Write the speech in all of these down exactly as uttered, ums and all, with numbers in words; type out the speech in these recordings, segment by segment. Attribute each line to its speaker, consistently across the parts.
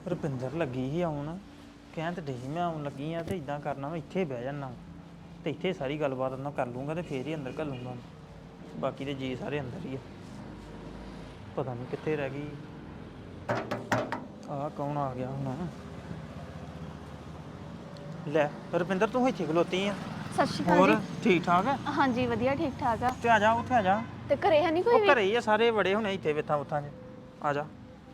Speaker 1: ਰੁਪਿੰਦਰ ਲੱਗੀ ਸੀ ਆਉਣ ਕਹਿਣ ਤੇ ਡਈ ਮੈਂ ਆਉਣ ਲੱਗੀ ਆ ਤੇ ਇਦਾਂ ਕਰਨਾ ਮੈਂ ਇੱਥੇ ਬਹਿ ਜਾਣਾ ਤੇ ਇੱਥੇ ਸਾਰੀ ਗੱਲਬਾਤ ਉਹਨਾਂ ਕਰ ਲੂੰਗਾ ਤੇ ਫੇਰ ਹੀ ਅੰਦਰ ਘੱਲੂੰਗਾ ਬਾਕੀ ਦੇ ਜੀ ਸਾਰੇ ਅੰਦਰ ਹੀ ਆ ਪਤਾ ਨਹੀਂ ਕਿੱਥੇ ਰਹਿ ਗਈ ਆਹ ਕੌਣ ਆ ਗਿਆ ਹੁਣ ਲੈ ਰੁਪਿੰਦਰ ਤੂੰ ਇੱਥੇ ਖਲੋਤੀ ਆ
Speaker 2: ਸਤਿ ਸ਼੍ਰੀ ਅਕਾਲ
Speaker 1: ਹੋਰ
Speaker 2: ਜੀ
Speaker 1: ਠੀਕ ਠਾਕ ਆ
Speaker 2: ਹਾਂਜੀ ਵਧੀਆ ਠੀਕ ਠਾਕ ਆ
Speaker 1: ਤੇ ਆ ਜਾ ਉੱਥੇ ਆ ਜਾ
Speaker 2: ਤੇ ਘਰੇ ਹੈ ਨਹੀਂ ਕੋਈ
Speaker 1: ਉਹ
Speaker 2: ਵੀ
Speaker 1: ਘਰੇ ਹੀ ਆ ਸਾਰੇ ਬੜੇ ਹੁਣੇ ਇੱਥੇ ਵੇਥਾਂ ਉਥਾਂ 'ਚ ਆ ਜਾ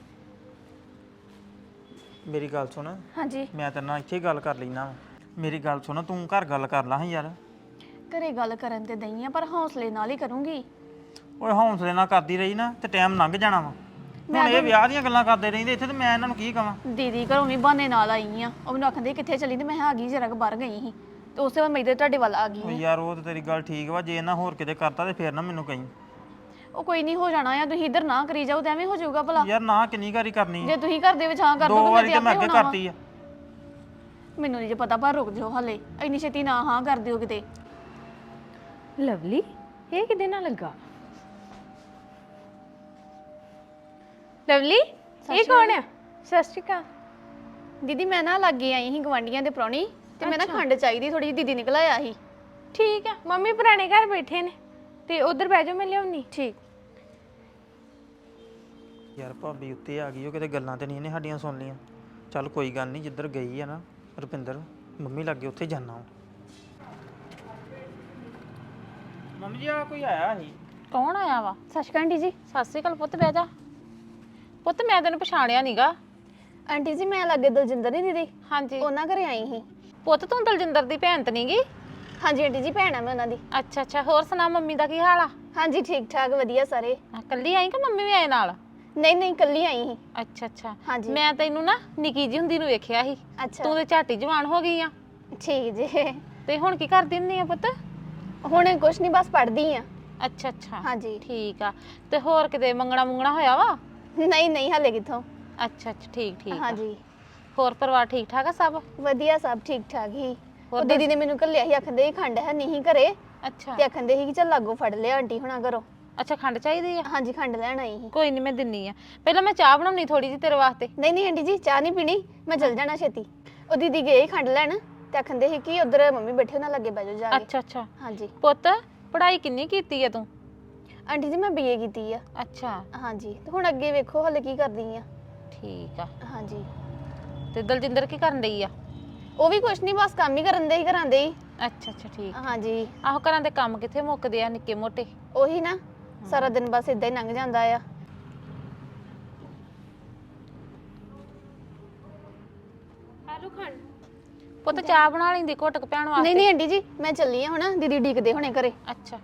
Speaker 1: ਮੇਰੀ ਗੱਲ ਸੁਣ
Speaker 2: ਹਾਂਜੀ
Speaker 1: ਮੈਂ ਤੇਰੇ ਨਾਲ ਇੱਥੇ ਗੱਲ ਕਰ ਲੈਣਾ ਮੇਰੀ ਗੱਲ ਸੁਣ ਤੂੰ ਘਰ ਗੱਲ ਕਰ ਲਾ ਹਾਂ ਯਾਰ
Speaker 2: ਘਰੇ ਗੱਲ ਕਰਨ ਤੇ ਦਈ ਆ ਪਰ ਹੌਸਲੇ ਨਾਲ ਹੀ ਕਰੂੰਗੀ
Speaker 1: ਓਏ ਹੌਂਸਲੇ ਨਾਲ ਕਰਦੀ ਰਹੀ ਨਾ ਤੇ ਟਾਈਮ ਲੰਘ ਜਾਣਾ ਵਾ ਹੁਣ ਇਹ ਵਿਆਹ ਦੀਆਂ ਗੱਲਾਂ ਕਰਦੇ ਰਹਿੰਦੇ ਇੱਥੇ ਤੇ ਮੈਂ ਇਹਨਾਂ ਨੂੰ ਕੀ ਕਵਾਂ
Speaker 2: ਦੀਦੀ ਘਰੋਂ ਵੀ ਬਹਾਨੇ ਨਾਲ ਆਈ ਆ ਉਹ ਮੈਨੂੰ ਆਖਦੇ ਕਿੱਥੇ ਚੱਲੀ ਤੇ ਮੈਂ ਆ ਗਈ ਜਰਾ ਕੁ ਬਾਹਰ ਗਈ ਸੀ ਤੇ ਉਸੇ ਵੇਲੇ ਮੈਂ ਇੱਧਰ ਤੁਹਾਡੇ ਵੱਲ ਆ ਗਈ
Speaker 1: ਓ
Speaker 2: ਆਂ।
Speaker 1: ਯਾਰ ਉਹ ਤੇ ਤੇਰੀ ਗੱਲ ਠੀਕ ਵਾ ਜੇ ਇਹਨਾਂ ਹੋਰ ਕਿਤੇ ਕਰਤਾ ਤੇ ਫੇਰ ਨਾ ਮੈਨੂੰ ਕਹੀਂ
Speaker 2: ਉਹ ਕੋਈ ਨਹੀਂ ਹੋ ਜਾਣਾ ਆ ਤੁਸੀਂ ਇੱਧਰ ਨਾ ਕਰੀ ਜਾਓ ਤੇ ਐਵੇਂ ਹੋ ਜਾਊਗਾ ਭਲਾ
Speaker 1: ਯਾਰ ਨਾ ਕਿੰਨੀ ਵਾਰੀ ਕਰਨੀ ਆ?
Speaker 2: ਜੇ ਤੁਸੀਂ ਘਰ ਦੇ ਵਿੱਚ ਹਾਂ ਕਰ
Speaker 1: ਦੋ
Speaker 2: ਦੋਗੇ
Speaker 1: ਵਾਰੀ
Speaker 2: ਤੇ
Speaker 1: ਤੇ ਮੈਂ
Speaker 2: ਆਪੇ
Speaker 1: ਅੱਗੇ
Speaker 2: ਹੋਣਾ ਵਾ।
Speaker 1: ਕਰਤੀ ਆ
Speaker 2: ਮੈਨੂੰ ਨਹੀਂ ਜੇ ਪਤਾ ਪਰ ਰੁਕ ਜਾਓ ਹਲੇ ਇੰਨੀ ਛੇਤੀ ਨਾ ਹਾਂ ਕਰ ਦਿਓ ਕਿਤੇ
Speaker 3: ਲਵਲੀ ਇਹ ਕਿਦੇ ਨਾਲ ਲੱਗਾ ਲਵਲੀ ਇਹ ਕੌਣ ਆ ਸਤਿ ਸ਼੍ਰੀ ਅਕਾਲ
Speaker 2: ਦੀਦੀ ਮੈਂ ਨਾ ਲੱਗੇ ਆਈ ਸੀ ਗਵਾਂਡੀਆਂ ਦੇ ਪ੍ਰਾਹੁਣੀ ਤੇ ਮੈਂ ਨਾ ਖੰਡ ਚਾਹੀਦੀ ਥੋੜੀ ਜਿਹੀ ਦੀਦੀ ਨਿਕਲ ਆਇਆ ਸੀ
Speaker 3: ਠੀਕ ਆ ਮੰਮੀ ਪੁਰਾਣੇ ਘਰ ਬੈਠੇ ਨੇ ਤੇ ਉਧਰ ਬਹਿ ਜਾਓ ਮੈਂ ਲਿਆਉਣੀ
Speaker 2: ਠੀਕ
Speaker 1: ਯਾਰ ਭਾਬੀ ਉੱਤੇ ਆ ਗਈ ਉਹ ਕਿਤੇ ਗੱਲਾਂ ਤੇ ਨਹੀਂ ਇਹਨੇ ਸਾਡੀਆਂ ਸੁਣ ਲੀਆਂ ਚੱਲ ਕੋਈ ਗੱਲ ਨਹੀਂ ਜਿੱਧਰ ਗਈ ਆ ਨਾ ਰੁਪਿੰਦਰ ਮੰਮੀ ਲੱਗੇ ਉੱਥੇ ਜਾਣਾ ਮੰਮੀ ਜੀ ਆ ਕੋਈ ਆਇਆ ਸੀ
Speaker 3: ਕੌਣ ਆਇਆ ਵਾ
Speaker 2: ਸਤਿ ਸ਼੍ਰੀ ਅਕਾਲ ਆਂਟੀ ਜੀ
Speaker 3: ਸਤਿ ਸ਼੍ਰੀ ਅਕਾਲ ਪੁੱਤ ਬਹਿ ਜਾ ਪੁੱਤ ਮੈਂ ਤੈਨੂੰ ਪਛਾਣਿਆ ਨੀਗਾ
Speaker 2: ਆਂਟੀ ਜੀ ਮੈਂ ਲੱਗੇ ਦਲਜਿੰਦਰ ਨਹੀਂ ਦੀਦੀ
Speaker 3: ਹਾਂਜੀ
Speaker 2: ਉਹਨਾਂ ਘਰੇ ਆਈ ਸੀ
Speaker 3: ਪੁੱਤ ਤੂੰ ਦਲਜਿੰਦਰ ਦੀ ਭੈਣ ਤੇ ਨਹੀਂਗੀ
Speaker 2: ਹਾਂਜੀ ਆਂਟੀ ਜੀ ਭੈਣ ਆ ਮੈਂ ਉਹਨਾਂ ਦੀ
Speaker 3: ਅੱਛਾ ਅੱਛਾ ਹੋਰ ਸੁਣਾ ਮੰਮੀ ਦਾ ਕੀ ਹਾਲ ਆ
Speaker 2: ਹਾਂਜੀ ਠੀਕ ਠਾਕ ਵਧੀਆ ਸਾਰੇ
Speaker 3: ਆ, ਕੱਲੀ ਆਈ ਕਿ ਮੰਮੀ ਵੀ ਆਏ ਨਾਲ
Speaker 2: ਨਹੀਂ ਨਹੀਂ ਇਕੱਲੀ ਆਈ ਸੀ
Speaker 3: ਅੱਛਾ ਅੱਛਾ
Speaker 2: ਹਾਂਜੀ।
Speaker 3: ਮੈਂ ਤੈਨੂੰ ਨਾ ਨਿੱਕੀ ਜੀ ਹੁੰਦੀ ਨੂੰ ਵੇਖਿਆ ਸੀ
Speaker 2: ਅੱਛਾ
Speaker 3: ਤੂੰ ਤੇ ਝਾਟੀ ਜਵਾਨ ਹੋ ਗਈ ਆ
Speaker 2: ਠੀਕ ਜੀ
Speaker 3: ਤੇ ਹੁਣ ਕੀ ਕਰਦੀ ਹੁੰਦੀ ਆ ਪੁੱਤ
Speaker 2: ਹੁਣ ਕੁਛ ਨਹੀਂ ਬਸ ਪੜ੍ਹਦੀ ਆ
Speaker 3: ਅੱਛਾ ਅੱਛਾ
Speaker 2: ਹਾਂਜੀ
Speaker 3: ਠੀਕ ਆ ਤੇ ਹੋਰ ਕਿਤੇ ਮੰਗਣਾ ਮੁੰਗਣਾ ਹੋਇਆ ਵਾ
Speaker 2: ਨਹੀਂ ਨਹੀਂ ਹਲੇ ਕਿੱਥੋਂ
Speaker 3: ਅੱਛਾ ਅੱਛਾ ਠੀਕ ਠੀਕ ਆ।
Speaker 2: ਹਾਂਜੀ
Speaker 3: ਹੋਰ ਪਰਿਵਾਰ ਠੀਕ ਠਾਕ ਆ ਸਭ
Speaker 2: ਵਧੀਆ ਸਭ ਠੀਕ ਠਾਕ ਹੀ
Speaker 3: ਹੋਰ
Speaker 2: ਉਹ ਦੀਦੀ ਨੇ ਮੈਨੂੰ ਘੱਲਿਆ ਸੀ ਆਖਦੇ ਸੀ ਖੰਡ ਹੈ ਨਹੀਂ ਘਰੇ
Speaker 3: ਅੱਛਾ
Speaker 2: ਤੇ ਆਖਦੇ ਸੀ ਕਿ ਚੱਲ ਲਾਗੋ ਫੜ ਲਿਆ ਆਂਟੀ ਹੁਣਾਂ ਘਰੋਂ
Speaker 3: ਅੱਛਾ ਖੰਡ ਚਾਹੀਦੀ ਆ
Speaker 2: ਹਾਂਜੀ ਖੰਡ ਲੈਣ ਆਈ ਸੀ
Speaker 3: ਕੋਈ ਨਹੀਂ ਮੈਂ ਦਿੰਨੀ ਆ ਪਹਿਲਾਂ ਮੈਂ ਚਾਹ ਬਣਾਉਣੀ ਥੋੜੀ ਜਿਹੀ ਤੇਰੇ ਵਾਸਤੇ
Speaker 2: ਨਹੀਂ ਨਹੀਂ ਆਂਟੀ ਜੀ ਚਾਹ ਨਹੀਂ ਪੀਣੀ ਮੈਂ ਚੱਲ ਜਾਣਾ ਛੇਤੀ ਉਹ ਦੀਦੀ ਗਏ ਸੀ ਖੰਡ ਲੈਣ ਤੇ ਆਖਦੇ ਸੀ ਕਿ ਉਧਰ ਮੰਮੀ ਬੈਠੇ ਉਹਨਾਂ ਲੱਗੇ ਬਹਿ ਜਾਓ ਜਾ ਕੇ
Speaker 3: ਅੱਛਾ ਅੱਛਾ
Speaker 2: ਹਾਂਜੀ
Speaker 3: ਪੁੱਤ ਪੜ੍ਹਾਈ ਕਿੰਨੀ ਕੀਤੀ ਆ ਤੂੰ
Speaker 2: ਆਂਟੀ ਜੀ ਮੈਂ ਬੀਏ ਕੀਤੀ ਆ
Speaker 3: ਅੱਛਾ
Speaker 2: ਹਾਂਜੀ ਤੇ ਹੁਣ ਅੱਗੇ ਵੇਖੋ ਹਲੇ ਕੀ ਕਰਦੀ ਆ
Speaker 3: ਠੀਕ ਆ
Speaker 2: ਹਾਂਜੀ
Speaker 3: ਤੇ ਦਲਜਿੰਦਰ ਕੀ ਕਰਨ ਡਈ ਆ
Speaker 2: ਉਹ ਵੀ ਕੁਛ ਨਹੀਂ ਬਸ ਕੰਮ ਹੀ ਕਰਨ ਦੇ ਹੀ ਘਰਾਂ ਦੇ ਹੀ
Speaker 3: ਅੱਛਾ ਅੱਛਾ ਠੀਕ
Speaker 2: ਹਾਂਜੀ
Speaker 3: ਆਹੋ ਘਰਾਂ ਦੇ ਕੰਮ ਕਿੱਥੇ ਮੁੱਕਦੇ ਆ ਨਿੱਕੇ ਮੋਟੇ
Speaker 2: ਉਹੀ ਨਾ ਸਾਰਾ ਦਿਨ ਬਸ ਇਦਾਂ ਹੀ ਲੰਘ ਜਾਂਦਾ ਆ
Speaker 3: ਆਲੂ ਖੰਡ ਪੁੱਤ ਚਾਹ ਬਣਾ ਲੈਂਦੀ ਘੁੱਟ ਕੇ ਭੈਣ ਵਾਸਤੇ
Speaker 2: ਨਹੀਂ ਨਹੀਂ ਆਂਟੀ ਜੀ ਮੈਂ ਚੱਲੀ ਆ ਹੁਣ ਦੀਦੀ ਡੀਕਦੇ ਹੋਣੇ ਘਰੇ
Speaker 3: ਅੱਛਾ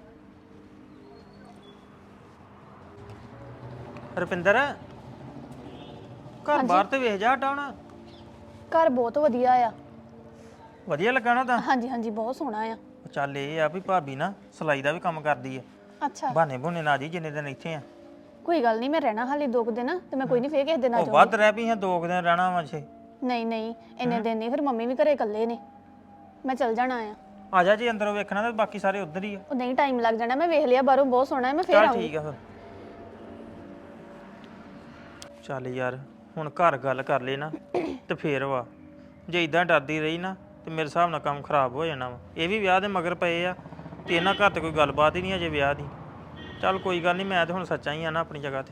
Speaker 1: ਰੁਪਿੰਦਰ ਘਰ ਬਾਹਰ ਤੇ ਵੇਖ ਜਾ ਹਟਾਉਣ
Speaker 2: ਘਰ ਬਹੁਤ ਵਧੀਆ ਆ
Speaker 1: ਵਧੀਆ ਲੱਗਾ ਨਾ ਤਾਂ
Speaker 2: ਹਾਂਜੀ ਹਾਂਜੀ ਬਹੁਤ ਸੋਹਣਾ ਆ
Speaker 1: ਚੱਲ ਇਹ ਆ ਵੀ ਭਾਬੀ ਨਾ ਸਿਲਾਈ ਦਾ ਵੀ ਕੰਮ ਕਰਦੀ ਆ
Speaker 2: ਅੱਛਾ
Speaker 1: ਬਹਾਨੇ ਬੁਨੇ ਨਾ ਜੀ ਜਿੰਨੇ ਦਿਨ ਇੱਥੇ ਆ
Speaker 2: ਕੋਈ ਗੱਲ ਨਹੀਂ ਮੈਂ ਰਹਿਣਾ ਹਾਲੇ ਦੋ ਕੁ ਦਿਨ ਤੇ ਮੈਂ ਕੋਈ ਨਹੀਂ ਫੇਰ ਕਿਸੇ ਦਿਨ ਆ
Speaker 1: ਉਹ
Speaker 2: ਜਾਊਂਗੀ
Speaker 1: ਵੱਧ ਰਹਿ ਪਈ ਆ ਦੋ ਕੁ ਦਿਨ ਰਹਿਣਾ ਵਾ ਛੇ
Speaker 2: ਨਹੀਂ ਨਹੀਂ ਇੰਨੇ ਦਿਨ ਨਹੀਂ ਫਿਰ ਮੰਮੀ ਵੀ ਘਰੇ ਇਕੱਲੇ ਨੇ ਮੈਂ ਚੱਲ ਜਾਣਾ ਆ
Speaker 1: ਆ ਜਾ ਜੀ ਅੰਦਰੋਂ ਵੇਖਣਾ ਤੇ ਬਾਕੀ ਸਾਰੇ ਉਧਰ ਹੀ ਆ
Speaker 2: ਉਹ ਨਹੀਂ ਟਾਈਮ ਲੱਗ ਜਾਣਾ ਮੈਂ ਵੇਖ ਲਿਆ ਬਾਹਰੋਂ ਬਹੁਤ ਸੋਹਣਾ ਹੈ ਮੈਂ ਫੇਰ
Speaker 1: ਚੱਲ
Speaker 2: ਆਉਂਗੀ
Speaker 1: ਠੀਕ ਆ ਫਿਰ ਚੱਲ ਯਾਰ ਹੁਣ ਘਰ ਗੱਲ ਕਰ ਲੈ ਨਾ ਤੇ ਫੇਰ ਵਾ ਜੇ ਇਦਾਂ ਡਰਦੀ ਰਹੀ ਨਾ ਤੇ ਮੇਰੇ ਹਿਸਾਬ ਨਾਲ ਕੰਮ ਖਰਾਬ ਹੋ ਜਾਣਾ ਵਾ ਇਹ ਵੀ ਵਿਆਹ ਦੇ ਮਗਰ ਪਏ ਆ ਤੇ ਇਹਨਾਂ ਘਰ ਤੇ ਕੋਈ ਗੱਲਬਾਤ ਹੀ ਨਹੀਂ ਅਜੇ ਵਿਆਹ ਦੀ ਚੱਲ ਕੋਈ ਗੱਲ ਨਹੀਂ ਮੈਂ ਤੇ ਹੁਣ ਸੱਚਾ ਹੀ ਆ ਨਾ ਆਪਣੀ ਜਗ੍ਹਾ ਤੇ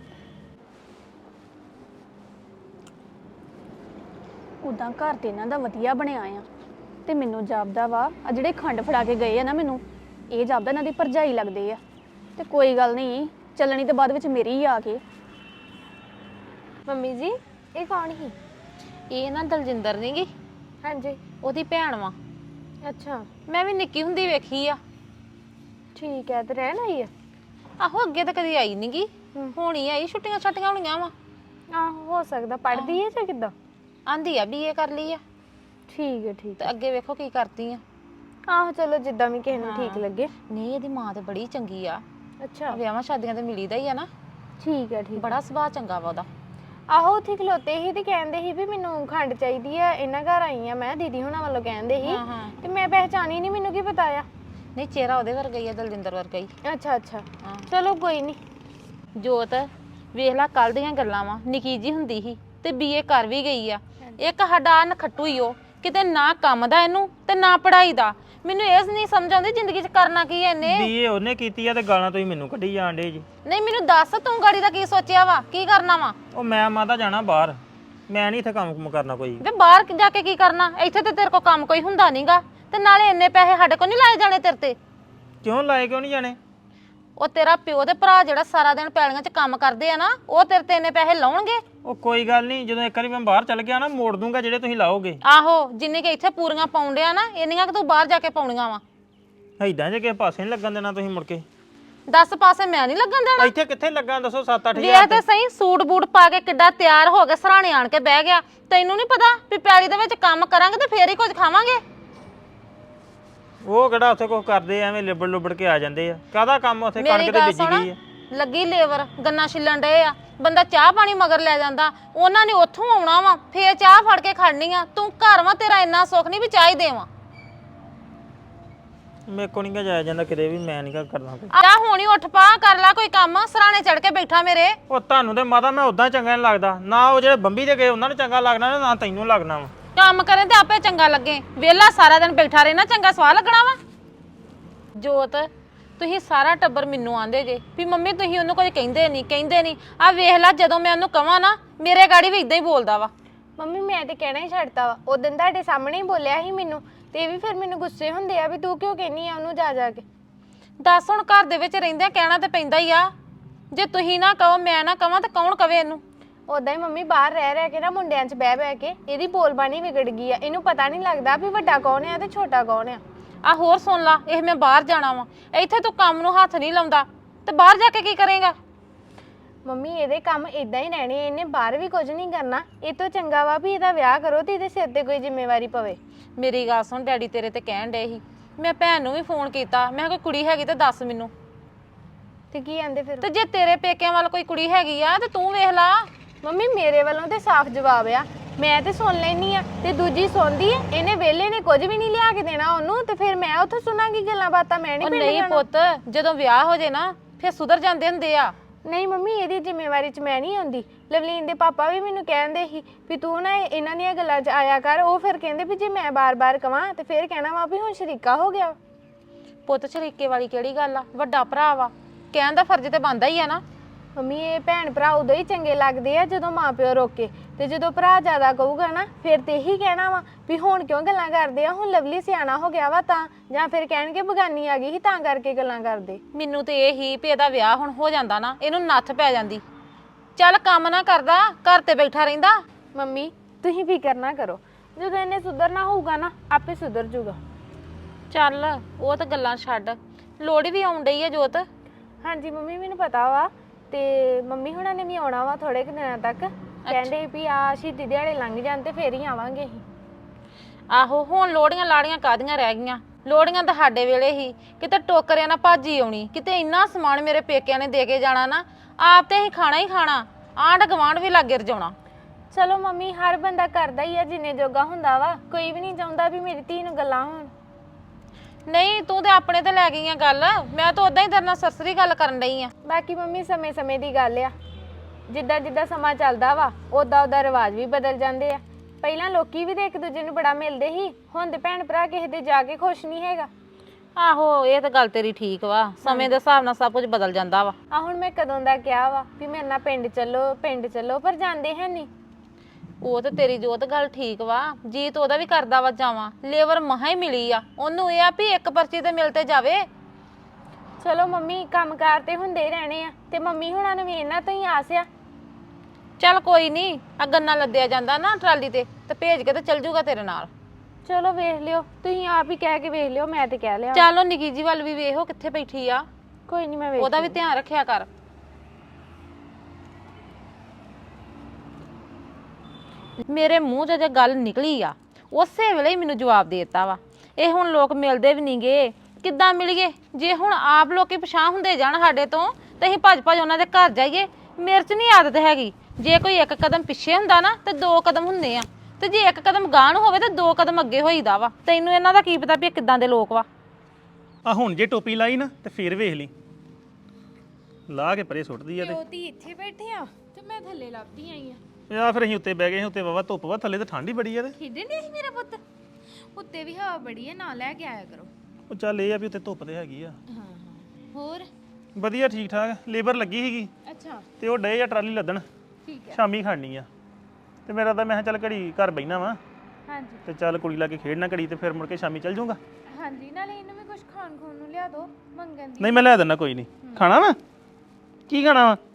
Speaker 2: ਉਦਾਂ ਘਰ ਤੇ ਇਹਨਾਂ ਦਾ ਵਧੀਆ ਬਣਿਆ ਆ ਤੇ ਮੈਨੂੰ ਜਾਪਦਾ ਵਾ ਆ ਜਿਹੜੇ ਖੰਡ ਫੜਾ ਕੇ ਗਏ ਆ ਨਾ ਮੈਨੂੰ ਇਹ ਜਾਪਦਾ ਇਹਨਾਂ ਦੀ ਭਰਜਾਈ ਲੱਗਦੇ ਆ ਤੇ ਕੋਈ ਗੱਲ ਨਹੀਂ ਚੱਲਣੀ ਤੇ ਬਾਅਦ ਵਿੱਚ ਮੇਰੀ ਹੀ ਆ ਕੇ
Speaker 3: ਮੰਮੀ ਜੀ ਇਹ ਕੌਣ ਸੀ ਇਹ ਨਾ ਦਲਜਿੰਦਰ ਨਹੀਂਗੀ
Speaker 2: ਹਾਂਜੀ
Speaker 3: ਉਹਦੀ ਭੈਣ ਵਾ
Speaker 2: ਅੱਛਾ
Speaker 3: ਮੈਂ ਵੀ ਨਿੱਕੀ ਹੁੰਦੀ ਵੇਖੀ ਆ
Speaker 2: ਠੀਕ ਹੈ ਤੇ ਰਹਿਣ ਆਈ ਹੈ
Speaker 3: ਆਹੋ ਅੱਗੇ ਤਾਂ ਕਦੀ ਆਈ ਨਹੀਂਗੀ ਹੁਣ ਹੀ ਆਈ ਛੁੱਟੀਆਂ ਛੱਟੀਆਂ ਹੋਣੀਆਂ ਵਾ
Speaker 2: ਆਹੋ ਹੋ ਸਕਦਾ ਪੜ੍ਹਦੀ ਹੈ ਜਾਂ ਕਿੱਦਾਂ
Speaker 3: ਆਂਦੀ ਆ ਬੀਏ ਕਰ ਲਈ ਆ
Speaker 2: ਠੀਕ ਹੈ ਠੀਕ
Speaker 3: ਤੇ ਅੱਗੇ ਵੇਖੋ ਕੀ ਕਰਦੀ ਆ
Speaker 2: ਆਹੋ ਚਲੋ ਜਿੱਦਾਂ ਵੀ ਕਿਸੇ ਨੂੰ ਠੀਕ ਲੱਗੇ
Speaker 3: ਨਹੀਂ ਇਹਦੀ ਮਾਂ ਤੇ ਬੜੀ ਚੰਗੀ ਆ
Speaker 2: ਅੱਛਾ
Speaker 3: ਵਿਆਹਾਂ ਸ਼ਾਦੀਆਂ ਤੇ ਮਿਲੀਦਾ ਹੀ ਆ ਨਾ
Speaker 2: ਠੀਕ ਹੈ ਠੀਕ
Speaker 3: ਬੜਾ ਸੁਭਾਅ ਚੰਗਾ ਵਾ ਉਹਦਾ
Speaker 2: ਆਹੋ ਉੱਥੇ ਖਲੋਤੇ ਸੀ ਤੇ ਕਹਿੰਦੇ ਸੀ ਵੀ ਮੈਨੂੰ ਖੰਡ ਚਾਹੀਦੀ ਆ ਇਹਨਾਂ ਘਰ ਆਈ ਆ ਮੈਂ ਦੀਦੀ ਹੁਣਾਂ ਵੱਲੋਂ ਕਹਿੰਦੇ ਸੀ
Speaker 3: ਹਾਂ ਹਾਂ
Speaker 2: ਤੇ ਮੈਂ ਪਹਿਚਾਣੀ ਨਹੀਂ ਮੈਨੂੰ ਕੀ ਪਤਾ ਆ
Speaker 3: ਨਹੀਂ ਚਿਹਰਾ ਉਹਦੇ ਵਰਗਾ ਹੀ ਆ ਦਲਜਿੰਦਰ ਵਰਗਾ ਹੀ
Speaker 2: ਅੱਛਾ ਅੱਛਾ
Speaker 3: ਹਾਂ
Speaker 2: ਚਲੋ ਕੋਈ ਨਹੀਂ
Speaker 3: ਜੋਤ ਵੇਖ ਲੈ ਕੱਲ ਦੀਆਂ ਗੱਲਾਂ ਵਾ ਨਿੱਕੀ ਜੀ ਹੁੰਦੀ ਸੀ ਤੇ ਬੀਏ ਕਰ ਵੀ ਗਈ ਆ। ਇੱਕ ਸਾਡਾ ਨਖੱਟੂ ਹੀ ਉਹ, ਕਿਤੇ ਨਾ ਕੰਮ ਦਾ ਇਹਨੂੰ ਤੇ ਨਾ ਪੜ੍ਹਾਈ ਦਾ। ਮੈਨੂੰ ਇਹ ਨਹੀਂ ਸਮਝ ਆਉਂਦੀ ਜ਼ਿੰਦਗੀ 'ਚ ਕਰਨਾ ਕੀ ਹੈ ਇਹਨੇ।
Speaker 1: ਬੀਏ ਉਹਨੇ ਕੀਤੀ ਆ ਤੇ ਗਾਲਾਂ ਤੁਸੀਂ ਮੈਨੂੰ ਕੱਢੀ ਜਾਣ ਡੇ ਜੀ।
Speaker 3: ਨਹੀਂ ਮੈਨੂੰ ਦੱਸ ਤੂੰ ਗਾੜੀ ਦਾ ਕੀ ਸੋਚਿਆ ਵਾ, ਕੀ ਕਰਨਾ ਵਾ?
Speaker 1: ਉਹ ਮੈਂ ਮਾਤਾ ਜਾਣਾ ਬਾਹਰ, ਮੈਂ ਨਹੀਂ ਇੱਥੇ ਕੰਮ ਕੁਮ ਕਰਨਾ ਕੋਈ।
Speaker 3: ਵੇ ਬਾਹਰ ਜਾ ਕੇ ਕੀ ਕਰਨਾ? ਇੱਥੇ ਤੇ ਤੇਰੇ ਕੋਲ ਕੰਮ ਕੋਈ ਹੁੰਦਾ ਨਹੀਂਗਾ, ਤੇ ਨਾਲੇ ਇੰਨੇ ਪੈਸੇ ਸਾਡੇ ਕੋਲ ਨਹੀਂ ਲਾਏ ਜਾਣੇ ਤੇਰੇ ਤੇ।
Speaker 1: ਕਿਉਂ ਲਾਏ ਕਿਉਂ ਨਹੀਂ ਜਾਣੇ?
Speaker 3: ਉਹ ਤੇਰਾ ਪਿਓ ਤੇ ਭਰਾ ਜਿਹੜਾ ਸਾਰਾ ਦਿਨ ਪੈਲੀਆਂ 'ਚ ਕੰਮ ਕਰਦੇ ਆ ਨਾ, ਉਹ ਤੇਰੇ ਤੇ ਇੰਨੇ ਪੈਸੇ ਲਾਉਣਗੇ।
Speaker 1: ਉਹ ਕੋਈ ਗੱਲ ਨਹੀਂ, ਜਦੋਂ ਇੱਕ ਵਾਰੀ ਮੈਂ ਬਾਹਰ ਚੱਲ ਗਿਆ ਨਾ ਮੋੜ ਦੂੰਗਾ ਜਿਹੜੇ ਤੁਸੀਂ ਲਾਓਗੇ।
Speaker 3: ਆਹੋ, ਜਿੰਨੇ ਕਿ ਇੱਥੇ ਪੂਰੀਆਂ ਪਾਉਂਦੇ ਆ ਨਾ, ਇੰਨੀਆਂ ਕਿ ਤੂੰ ਬਾਹਰ ਜਾ ਕੇ ਪਾਉਣੀਆਂ ਵਾ।
Speaker 1: ਐਦਾਂ ਜੇ ਕਿਸੇ ਪਾਸੇ ਨਹੀਂ ਲੱਗਣ ਦੇਣਾ ਤੁਸੀਂ ਮੁੜ ਕੇ।
Speaker 3: ਦਸ ਪਾਸੇ ਮੈਂ ਨਹੀਂ ਲੱਗਣ ਦੇਣਾ।
Speaker 1: ਇੱਥੇ ਕਿੱਥੇ ਲੱਗਾ ਦੱਸੋ? ਸੱਤ ਅੱਠ
Speaker 3: ਵੇਖ
Speaker 1: ਹਜ਼ਾਰ
Speaker 3: ਤੇ ਸਹੀ, ਸੂਟ ਬੂਟ ਪਾ ਕੇ ਕਿੱਡਾ ਤਿਆਰ ਹੋ ਕੇ ਸਰਾਣੇ ਆਣ ਕੇ ਬਹਿ ਗਿਆ। ਤੈਨੂੰ ਨਹੀਂ ਪਤਾ ਵੀ ਪੈਲੀ ਦੇ ਵਿੱਚ ਕੰਮ ਕਰਾਂਗੇ ਤੇ ਫੇਰ ਹੀ ਕੁਝ ਖਾਵਾਂਗੇ।
Speaker 1: ਉਹ ਕਿਹੜਾ ਉੱਥੇ ਕੁਝ ਕਰਦੇ ਐਵੇਂ ਲਿਬੜ ਲੁਬੜ ਕੇ ਆ ਜਾਂਦੇ ਆ। ਕਾਹਦਾ ਕੰਮ ਉੱਥੇ? ਕਣਕ
Speaker 3: ਮੇਰੀ
Speaker 1: ਤੇ
Speaker 3: ਗੱਲ
Speaker 1: ਬੀਜੀ ਗਈ ਆ।
Speaker 3: ਸੁਣ, ਲੱਗੀ ਲੇਬਰ, ਗੰਨਾ ਛਿੱਲਣ ਡਏ ਆ, ਬੰਦਾ ਚਾਹ ਪਾਣੀ ਮਗਰ ਲੈ ਜਾਂਦਾ। ਉਹਨਾਂ ਨੇ ਉੱਥੋਂ ਆਉਣਾ ਵਾ, ਫੇਰ ਚਾਹ ਫੜ ਕੇ ਖੜਨੀ ਆ। ਤੂੰ ਘਰ ਵਾ, ਤੇਰਾ ਇੰਨਾ ਸੁੱਖ ਨਹੀਂ ਵੀ ਚਾਹ ਹੀ ਦੇਵਾਂ।
Speaker 1: ਮੇਰੇ ਕੋ ਨਹੀਂ ਜਾਇਆ ਜਾਂਦਾ ਕਿਤੇ ਵੀ, ਮੈਂ ਨਹੀਂ ਕਰਨਾ ਕੋਈ।
Speaker 3: ਆ ਹੁਣੀ ਉੱਠ ਪਾ, ਕਰ ਲੈ ਕੋਈ ਕੰਮ। ਸਰਾਣੇ ਚੜ ਕੇ ਬੈਠਾ ਮੇਰੇ।
Speaker 1: ਉਹ ਤੁਹਾਨੂੰ ਤੇ ਮਾਤਾ ਮੈਂ ਉਦਾਂ ਚੰਗਾ ਨਹੀਂ ਲੱਗਦਾ ਨਾ। ਉਹ ਜਿਹੜੇ ਬੰਬੀ ਦੇ ਗਏ ਉਹਨਾਂ ਨੂੰ ਚੰਗਾ ਲੱਗਣਾ ਨਾ ਤੈਨੂੰ ਲੱਗਣਾ ਵਾ।
Speaker 3: ਕੰਮ ਕਰੇ ਤੇ ਆਪੇ ਚੰਗਾ ਲੱਗੇ, ਵਿਹਲਾ ਸਾਰਾ ਦਿਨ ਬੈਠਾ ਰਹਿਣਾ ਚੰਗਾ ਸਵਾਹ ਲੱਗਣਾ ਵਾ। ਜੋਤ, ਤੁਸੀਂ ਸਾਰਾ ਟੱਬਰ ਮੈਨੂੰ ਆਂਦੇ ਜੇ ਵੀ ਮੰਮੀ ਤੁਸੀਂ ਉਹਨੂੰ ਕੁਝ ਕਹਿੰਦੇ ਨਹੀਂ ਕਹਿੰਦੇ ਨਹੀਂ। ਆ ਵੇਖ ਲੈ, ਜਦੋਂ ਮੈਂ ਉਹਨੂੰ ਕਵਾਂ ਨਾ, ਮੇਰੇ ਗਾੜੀ ਵੀ ਇਦਾਂ ਹੀ ਬੋਲਦਾ ਵਾ।
Speaker 4: ਮੰਮੀ ਮੈਂ ਤੇ ਕਹਿਣਾ ਹੀ ਛੱਡਤਾ ਵਾ। ਉਦੋਂ ਤੁਹਾਡੇ ਸਾਹਮਣੇ ਹੀ ਬੋਲਿਆ ਸੀ ਮੈਨੂੰ, ਤੇ ਇਹ ਵੀ ਫਿਰ ਮੈਨੂੰ ਗੁੱਸੇ ਹੁੰਦੇ ਆ ਵੀ ਤੂੰ ਕਿਉਂ ਕਹਿੰਨੀ ਆ ਉਹਨੂੰ ਜਾ ਜਾ ਕੇ।
Speaker 3: ਦੱਸ ਹੁਣ, ਘਰ ਦੇ ਵਿੱਚ ਰਹਿੰਦਿਆਂ ਕਹਿਣਾ ਤੇ ਪੈਂਦਾ ਹੀ ਆ। ਜੇ ਤੁਸੀਂ ਨਾ ਕਹੋ, ਮੈਂ ਨਾ ਕਵਾਂ, ਤਾਂ ਕੌਣ ਕਵੇ ਇਹਨੂੰ?
Speaker 4: ਉਦਾਂ ਹੀ ਮੰਮੀ ਬਾਹਰ ਰਹਿ ਰਹਿ ਕੇ ਨਾ ਮੁੰਡਿਆਂ 'ਚ ਬਹਿ ਬਹਿ ਕੇ ਇਹਦੀ ਬੋਲਬਾਣੀ ਵਿਗੜ ਗਈ ਆ। ਇਹਨੂੰ ਪਤਾ ਨਹੀਂ ਲੱਗਦਾ ਵੀ ਵੱਡਾ ਕੌਣ ਆ ਤੇ ਛੋਟਾ ਕੌਣ ਆ।
Speaker 3: ਆ ਹੋਰ ਸੁਣ ਲਾ, ਇਹ ਮੈਂ ਬਾਹਰ ਜਾਣਾ ਵਾ, ਇੱਥੇ ਤੂੰ ਕੰਮ ਨੂੰ ਹੱਥ ਨਹੀਂ ਲਾਉਂਦਾ ਤੇ ਬਾਹਰ ਜਾ ਕੇ ਕੀ ਕਰੇਗਾ?
Speaker 4: ਮੰਮੀ ਇਹਦੇ ਕੰਮ ਇਦਾਂ ਹੀ ਰਹਿਣੇ, ਇਹਨੇ ਬਾਹਰ ਵੀ ਕੁਝ ਨਹੀਂ ਕਰਨਾ। ਇਹ ਤੋਂ ਚੰਗਾ ਵਾ ਵੀ ਇਹਦਾ ਵਿਆਹ ਕਰੋ ਤੇ ਇਹਦੇ ਸਿਰ ਤੇ ਕੋਈ ਜ਼ਿੰਮੇਵਾਰੀ ਪਵੇ।
Speaker 3: ਮੇਰੀ ਗੱਲ ਸੁਣ, ਡੈਡੀ ਤੇਰੇ ਤੇ ਕਹਿਣ ਡੇ ਸੀ, ਮੈਂ ਭੈਣ ਨੂੰ ਵੀ ਫੋਨ ਕੀਤਾ, ਮੈਂ ਕਿਹਾ ਕੋਈ ਕੁੜੀ ਹੈਗੀ ਤੇ ਦੱਸ ਮੈਨੂੰ।
Speaker 4: ਤੇ ਕੀ ਆਂਦੇ ਫਿਰ?
Speaker 3: ਤੇ ਜੇ ਤੇਰੇ ਪੇਕਿਆਂ ਵੱਲ ਕੋਈ ਕੁੜੀ ਹੈਗੀ ਆ ਤੇ ਤੂੰ ਵੇਖ ਲਾ।
Speaker 4: ਮੰਮੀ ਮੇਰੇ ਵੱਲੋਂ ਤੇ ਸਾਫ਼ ਜਵਾਬ ਆ, ਮੈਂ ਤੇ ਸੁਣ ਲੈਣੀ ਆ ਤੇ ਦੂਜੀ ਸੁਣਦੀ ਐ। ਇਹਨੇ ਵੇਲੇ ਨੇ ਕੁਝ ਵੀ ਨਹੀਂ ਲਿਆ ਕੇ ਦੇਣਾ ਉਹਨੂੰ, ਤੇ ਫਿਰ ਮੈਂ ਉੱਥੋਂ ਸੁਣਾਂਗੀ ਗੱਲਾਂ ਬਾਤਾਂ। ਮੈਂ ਨਹੀਂ
Speaker 3: ਉਹ
Speaker 4: ਪਿੰਡ
Speaker 3: ਨਹੀਂ
Speaker 4: ਜਾਣਾ।
Speaker 3: ਪੁੱਤ, ਜਦੋਂ ਵਿਆਹ ਹੋ ਜੇ ਨਾ ਫਿਰ ਸੁਧਰ ਜਾਂਦੇ ਹੁੰਦੇ ਆ।
Speaker 4: ਨਹੀਂ ਮੰਮੀ, ਇਹਦੀ ਜ਼ਿੰਮੇਵਾਰੀ 'ਚ ਮੈਂ ਨਹੀਂ ਆਉਂਦੀ। ਲਵਲੀਨ ਦੇ ਪਾਪਾ ਵੀ ਮੈਨੂੰ ਕਹਿੰਦੇ ਸੀ ਵੀ ਤੂੰ ਨਾ ਇਹਨਾਂ ਦੀਆਂ ਗੱਲਾਂ 'ਚ ਆਇਆ ਕਰ। ਉਹ ਫਿਰ ਕਹਿੰਦੇ ਵੀ ਜੇ ਮੈਂ ਬਾਰ-ਬਾਰ ਕਵਾਂ ਤੇ ਫਿਰ ਕਹਿਣਾ ਵਾ ਵੀ ਹੁਣ ਸ਼ਰੀਕਾ ਹੋ ਗਿਆ।
Speaker 3: ਪੁੱਤ ਸ਼ਰੀਕੇ ਵਾਲੀ ਕਿਹੜੀ ਗੱਲ ਆ? ਵੱਡਾ ਭਰਾ ਵਾ, ਕਹਿਣ ਦਾ ਫਰਜ਼ ਤੇ ਬਣਦਾ ਹੀ ਆ ਨਾ।
Speaker 4: ਮੰਮੀ ਇਹ ਭੈਣ ਭਰਾ ਉਦੋਂ ਹੀ ਚੰਗੇ ਲੱਗਦੇ ਆ ਜਦੋਂ ਮਾਪਿਓ ਰੋਕੇ, ਤੇ ਜਦੋਂ ਭਰਾ ਜ਼ਿਆਦਾ ਕਹੂਗਾ ਨਾ ਫਿਰ ਤੇ ਇਹੀ ਕਹਿਣਾ ਵਾ ਵੀ ਹੁਣ ਕਿਉਂ ਗੱਲਾਂ ਕਰਦੇ ਆ, ਹੁਣ ਲਵਲੀ ਸਿਆਣਾ ਹੋ ਗਿਆ ਵਾ ਤਾਂ, ਜਾਂ ਫਿਰ ਕਹਿਣਗੇ ਬਗਾਨੀ ਆ ਗਈ ਸੀ ਤਾਂ ਕਰਕੇ ਗੱਲਾਂ ਕਰਦੇ।
Speaker 3: ਮੈਨੂੰ ਤੇ ਇਹ ਹੀ ਵੀ ਇਹਦਾ ਵਿਆਹ ਹੁਣ ਹੋ ਜਾਂਦਾ ਨਾ, ਇਹਨੂੰ ਨੱਥ ਪੈ ਜਾਂਦੀ। ਚੱਲ ਕੰਮ ਨਾ ਕਰਦਾ, ਘਰ ਤੇ ਬੈਠਾ ਰਹਿੰਦਾ।
Speaker 4: ਮੰਮੀ ਤੁਸੀਂ ਫਿਕਰ ਨਾ ਕਰੋ, ਜਦੋਂ ਇਹਨੇ ਸੁਧਰਨਾ ਹੋਊਗਾ ਨਾ ਆਪੇ ਸੁਧਰ ਜੂਗਾ।
Speaker 3: ਚੱਲ ਉਹ ਤਾਂ ਗੱਲਾਂ ਛੱਡ, ਲੋੜੀ ਵੀ ਆਉਣ ਡਈ ਆ ਜੋਤ।
Speaker 4: ਹਾਂਜੀ ਮੰਮੀ ਮੈਨੂੰ ਪਤਾ ਵਾ, ਤੇ ਮੰਮੀ ਹੁਣਾਂ ਨੇ ਵੀ ਆਉਣਾ ਵਾ ਥੋੜੇ ਕੁ ਦਿਨਾਂ ਤੱਕ। ਕਹਿੰਦੇ ਵੀ ਆ ਸ਼ਹੀਦੀ ਦਿਹਾੜੇ ਲੰਘ ਜਾਣ ਤੇ ਫੇਰ ਹੀ ਆਵਾਂਗੇ ਅਸੀਂ।
Speaker 3: ਆਹੋ, ਹੁਣ ਲੋੜੀਆਂ ਲਾੜੀਆਂ ਕਾਦੀਆਂ ਰਹਿ ਗਈਆਂ? ਲੋੜੀਆਂ ਤਾਂ ਸਾਡੇ ਵੇਲੇ ਹੀ, ਕਿਤੇ ਟੋਕਰਿਆਂ ਨਾਲ ਭਾਜੀ ਆਉਣੀ, ਕਿਤੇ ਇੰਨਾ ਸਮਾਨ ਮੇਰੇ ਪੇਕਿਆਂ ਨੇ ਦੇ ਕੇ ਜਾਣਾ ਨਾ, ਆਪ ਤੇ ਅਸੀਂ ਖਾਣਾ ਹੀ ਖਾਣਾ, ਆਂਢ ਗਵਾਂਢ ਵੀ ਲਾਗੇ ਰਜਾਉਣਾ।
Speaker 4: ਚਲੋ ਮੰਮੀ, ਹਰ ਬੰਦਾ ਕਰਦਾ ਹੀ ਆ ਜਿੰਨੇ ਜੋਗਾ ਹੁੰਦਾ ਵਾ। ਕੋਈ ਵੀ ਨਹੀਂ ਚਾਹੁੰਦਾ ਵੀ ਮੇਰੀ ਧੀ ਨੂੰ ਗੱਲਾਂ ਹੋਣ।
Speaker 3: ਨਹੀਂ, ਤੂੰ ਤੇ ਆਪਣੇ ਤੇ ਲੈ ਗਈ ਆ ਗੱਲ, ਮੈਂ ਤਾਂ ਉਦਾਂ ਹੀ ਤੇਰੇ ਨਾਲ ਸਰਸਰੀ ਗੱਲ ਕਰਨ ਡਈ ਆ।
Speaker 4: ਬਾਕੀ ਮੰਮੀ ਸਮੇਂ ਸਮੇਂ ਦੀ ਗੱਲ ਆ, ਜਿੱਦਾਂ ਜਿੱਦਾਂ ਸਮਾਂ ਚੱਲਦਾ ਵਾ ਉਦਾਂ ਉਦਾਂ ਰਿਵਾਜ ਵੀ ਬਦਲ ਜਾਂਦੇ ਆ। ਪਹਿਲਾਂ ਲੋਕੀ ਵੀ ਤੇ ਇੱਕ ਦੂਜੇ ਨੂੰ ਬੜਾ ਮਿਲਦੇ ਸੀ, ਹੁਣ ਤੇ ਭੈਣ ਭਰਾ ਕਿਸੇ ਦੇ ਜਾ ਕੇ ਖੁਸ਼ ਨਹੀਂ ਹੈਗਾ।
Speaker 3: ਆਹੋ, ਇਹ ਤਾਂ ਗੱਲ ਤੇਰੀ ਠੀਕ ਵਾ, ਸਮੇਂ ਦੇ ਹਿਸਾਬ ਨਾਲ ਸਭ ਕੁਝ ਬਦਲ ਜਾਂਦਾ ਵਾ।
Speaker 4: ਆ ਹੁਣ ਮੈਂ ਕਦੋਂ ਦਾ ਕਿਹਾ ਵਾ ਵੀ ਮੇਰੇ ਨਾਲ ਪਿੰਡ ਚੱਲੋ ਪਿੰਡ ਚੱਲੋ, ਪਰ ਜਾਂਦੇ ਹੈ ਨਹੀਂ।
Speaker 3: ਉਹ ਤੇ ਤੇਰੀ ਜੋਤ ਗੱਲ ਠੀਕ ਵਾ, ਜੀਤ ਉਹਦਾ ਵੀ ਕਰਦਾ ਵਾ ਜਾਵਾਂ, ਲੇਬਰ ਮਹਾ ਹੀ ਮਿਲੀ ਆ ਉਹਨੂੰ, ਇਹ ਆ ਵੀ ਇੱਕ ਪਰਚੀ ਤੇ ਮਿਲ ਤੇ ਜਾਵੇ।
Speaker 4: ਚਲੋ ਮੰਮੀ, ਕੰਮਕਾਰ ਤੇ ਹੁੰਦੇ ਰਹਿਣੇ ਆ, ਤੇ ਮੰਮੀ ਹੁਣਾਂ ਨੂੰ ਵੀ ਇਹਨਾਂ ਤੋਂ ਹੀ ਆਸ ਆ।
Speaker 3: ਚੱਲ ਕੋਈ ਨਹੀਂ, ਆ ਗੰਨਾ ਲੱਦਿਆ ਜਾਂਦਾ ਨਾ ਟਰਾਲੀ ਤੇ ਤੇ ਭੇਜ ਕੇ ਤੇ ਚੱਲ ਜੂਗਾ ਤੇਰੇ ਨਾਲ।
Speaker 4: ਚਲੋ ਵੇਖ ਲਿਓ, ਤੁਸੀਂ ਆਪ ਹੀ ਕਹਿ ਕੇ ਵੇਖ ਲਿਓ, ਮੈਂ ਤੇ ਕਹਿ ਲਿਆ।
Speaker 3: ਚੱਲ ਉਹ ਨਿੱਕੀ ਜੀ ਵੱਲ ਵੀ ਵੇਖੋ ਕਿੱਥੇ ਬੈਠੀ ਆ,
Speaker 4: ਕੋਈ ਨਹੀਂ ਮੈਂ ਵੇਖ
Speaker 3: ਉਹਦਾ ਵੀ ਧਿਆਨ ਰੱਖਿਆ ਕਰ। ਮੇਰੇ ਮੂੰਹ 'ਚ ਜੇ ਗੱਲ ਨਿਕਲੀ ਆ, ਉਸੇ ਵੇਲੇ ਹੀ ਮੈਨੂੰ ਜਵਾਬ ਦੇ ਦਿੱਤਾ ਵਾ। ਇਹ ਹੁਣ ਲੋਕ ਮਿਲਦੇ ਵੀ ਨਹੀਂਗੇ, ਕਿੱਦਾਂ ਮਿਲੀਏ? ਜੇ ਹੁਣ ਆਪ ਲੋਕੀ ਪਛਾਣ ਹੁੰਦੇ ਜਾਣ ਸਾਡੇ ਤੋਂ ਤੇ ਅਸੀਂ ਭੱਜ ਭੱਜ ਉਹਨਾਂ ਦੇ ਘਰ ਜਾਈਏ। ਮੇਰੇ 'ਚ ਨਹੀਂ ਆਦਤ ਹੈਗੀ, ਜੇ ਕੋਈ ਇੱਕ ਕਦਮ ਪਿੱਛੇ ਹੁੰਦਾ ਨਾ ਤੇ ਦੋ ਕਦਮ ਹੁੰਦੇ ਆ, ਤੇ ਜੇ ਇੱਕ ਕਦਮ ਗਾਂਹ ਨੂੰ ਹੋਵੇ ਤੇ ਦੋ ਕਦਮ ਅੱਗੇ ਹੋਈਦਾ ਵਾ। ਤੈਨੂੰ ਇਹਨਾਂ ਦਾ ਕੀ ਪਤਾ ਵੀ ਇਹ ਕਿੱਦਾਂ ਦੇ ਲੋਕ ਵਾ।
Speaker 5: ਆ ਹੁਣ ਜੇ ਟੋਪੀ ਲਾਈ ਨਾ ਤੇ ਫੇਰ ਵੇਖ ਲਈ, ਲਾ ਕੇ ਪਰੇ ਸੁੱਟਦੀ ਆ ਤੇ
Speaker 4: ਉਹਦੀ ਇੱਥੇ ਬੈਠੇ ਆ ਤੇ ਮੈਂ ਥੱਲੇ ਲੱਭਦੀ ਆਈ ਆ।
Speaker 5: ਆ ਫਿਰ ਅਸੀਂ ਉੱਤੇ ਬਹਿ ਗਏ ਸੀ, ਉੱਤੇ ਵਾਵਾ ਧੁੱਪ ਵਾ, ਥੱਲੇ ਤਾਂ ਠੰਡ ਹੀ ਬੜੀ ਆ ਤੇ
Speaker 4: ਖੇਡਣ ਦੇ ਸੀ ਮੇਰਾ ਪੁੱਤ ਉੱਤੇ ਵੀ ਹਵਾ ਬੜੀ ਹੈ ਨਾ ਲੈ ਕੇ ਆਇਆ ਕਰੋ।
Speaker 5: ਉਹ ਚੱਲ ਇਹ ਆ ਵੀ ਉੱਤੇ ਧੁੱਪ ਤੇ ਹੈਗੀ ਆ।
Speaker 4: ਹਾਂ ਹਾਂ ਹੋਰ
Speaker 5: ਵਧੀਆ ਠੀਕ ਠਾਕ, ਲੇਬਰ ਲੱਗੀ ਸੀਗੀ
Speaker 4: ਅੱਛਾ
Speaker 5: ਤੇ ਉਹ ਡੇ ਆ ਟਰਾਲੀ ਲੱਦਣ,
Speaker 4: ਠੀਕ ਹੈ
Speaker 5: ਸ਼ਾਮੀ ਖੜਨੀ ਆ। ਤੇ ਮੇਰਾ ਤਾਂ ਮੈਂ ਕਿਹਾ ਚੱਲ ਘੜੀ ਘਰ ਬਹਿਣਾ ਵਾ
Speaker 4: ਹਾਂਜੀ
Speaker 5: ਤੇ ਚੱਲ ਕੁੜੀ ਲਾ ਕੇ ਖੇਡਣਾ ਘੜੀ ਤੇ ਫਿਰ ਮੁੜ ਕੇ ਸ਼ਾਮੀ ਚੱਲ ਜਾਊਂਗਾ।
Speaker 4: ਹਾਂਜੀ ਨਾਲੇ ਇਹਨੂੰ ਵੀ ਕੁਝ ਖਾਣ ਖੂਣ ਨੂੰ ਲਿਆ ਦਿਓ ਮੰਗਣ ਦੀ।
Speaker 5: ਨਹੀਂ ਮੈਂ ਲੈ ਦਿੰਦਾ ਕੋਈ ਨਹੀਂ। ਖਾਣਾ ਵਾ ਕੀ ਖਾਣਾ ਵਾ?